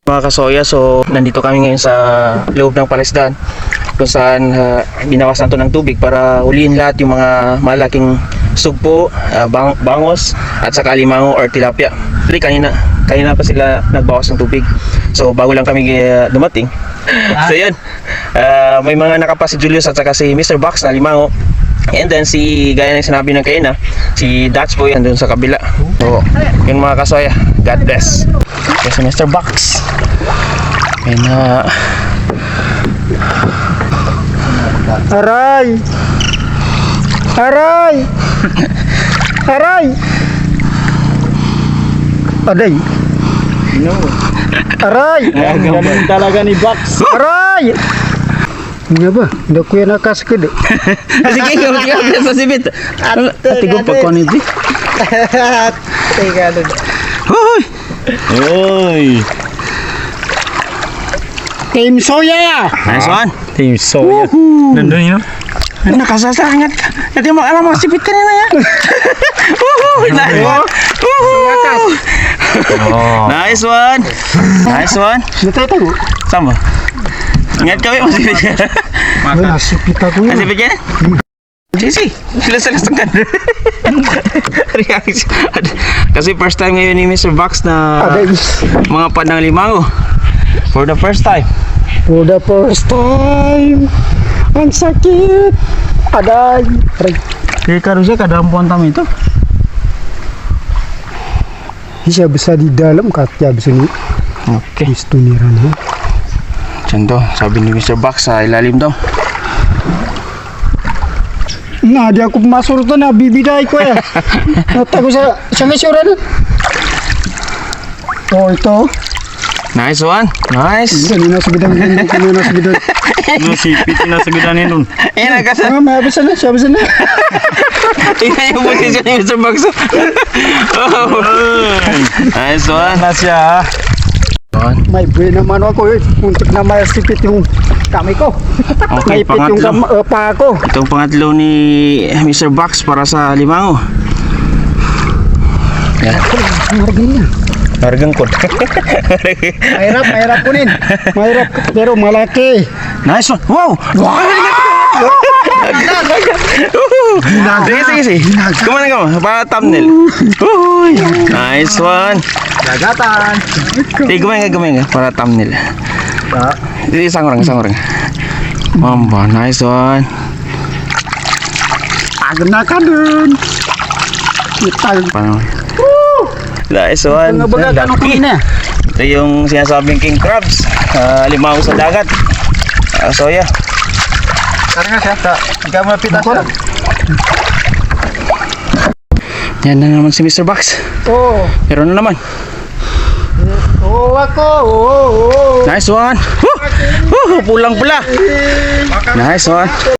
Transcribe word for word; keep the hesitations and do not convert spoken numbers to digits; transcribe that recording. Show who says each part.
Speaker 1: Mga kasoya, so nandito kami ngayon sa loob ng palisdaan kung saan uh, binawasan to ng tubig para huliin lahat yung mga malaking sugpo, uh, bang bangos at saka limango or tilapia. Actually, kanina, kanina pa sila nagbawas ng tubig. So bago lang kami uh, dumating. So yun, uh, may mga nakapa si Julius at saka si mister Box na limango. And then si, gaya ng sinabi ng kaina, si Dutch Boy andun sa kabila. So yun mga kasoya, God bless. Okay, si mister Box. Ayun na.
Speaker 2: Aray! Aray! Aray! Aday!
Speaker 1: No.
Speaker 2: Aray!
Speaker 1: Ganun talaga ni Box.
Speaker 2: Aray! Nga ba? Hindi ko yan nakaskad.
Speaker 1: Sige, ikaw ikaw sa sibit. Ati ko pa kon iti.
Speaker 2: Teka doon.
Speaker 1: Hoy! Hoy!
Speaker 2: Team Soya!
Speaker 1: Nice one.
Speaker 3: Team Soya. Nandun yun.
Speaker 1: Nakasasangat. Hindi mo alam mo sipit kanina ya. Woohoo! Nice one. Woohoo! Nice one. Nice one.
Speaker 2: Natay tayo.
Speaker 1: Sama. Ingat kami masipit ka.
Speaker 2: Ay, nasipit ako yun.
Speaker 1: Masipit ka na? Sisi, sila-sila setengah. Reaksi. Kasi first time ngayon ni mister Box na
Speaker 2: Aday.
Speaker 1: mga pandang limango. For the first time.
Speaker 2: For the first time. Ang sakit. Aday. Aray.
Speaker 1: Teka Rusya, kadampuan tamu itu.
Speaker 2: Siya bisa di dalam katya bisa ni.
Speaker 1: Oke.
Speaker 2: Gusto ni Rana.
Speaker 1: Contoh, sabi ni mister Box sa ilalim daw.
Speaker 2: Nah, di ako masuk to na bibiday ko eh. Natago sa sa mesyuran. Oh, ito.
Speaker 1: Nice one. Nice.
Speaker 2: Kanina sa bidang kanina sa bidang.
Speaker 3: Nasipit na sa gudanin dun.
Speaker 1: Eh, nagkasa.
Speaker 2: Ah, may abis na, siya abis na.
Speaker 1: Tingnan yung posisyon ni mister Box. Oh. Nice one.
Speaker 3: Na siya.
Speaker 1: One.
Speaker 2: May brain naman ako eh. Untuk na may sipit yung kamay ko.
Speaker 1: Okay,
Speaker 2: Naipit yung kam,
Speaker 1: pangatlo.
Speaker 2: uh, paa ko.
Speaker 1: Itong pangatlo ni mister Box para sa limango. Yan.
Speaker 2: Margin niya.
Speaker 1: Hargang ko.
Speaker 2: Mahirap, mahirap kunin. Mahirap, pero malaki.
Speaker 1: Nice one. Wow. Wow. Sige, sige, sige. Kumana ka mo. Para thumbnail. Uy. Nice one.
Speaker 2: Dagatan.
Speaker 1: Sige, kumain ka, kumain ka. Para thumbnail. Sige, isang orang, isang orang. Mamba, nice one.
Speaker 2: Agad na ka dun. Itag.
Speaker 1: Paano? Nice one.
Speaker 2: Ang baga, ano kunin na?
Speaker 1: Ito yung sinasabing king crabs. Uh, limango sa dagat. Uh, soya.
Speaker 2: Karena siya, ikaw mapitas siya.
Speaker 1: Yan na naman si mister Box.
Speaker 2: Oo.
Speaker 1: Pero na naman.
Speaker 2: Oo ako. Oo.
Speaker 1: Nice one. Woo! Woo! Pulang pula. Nice one.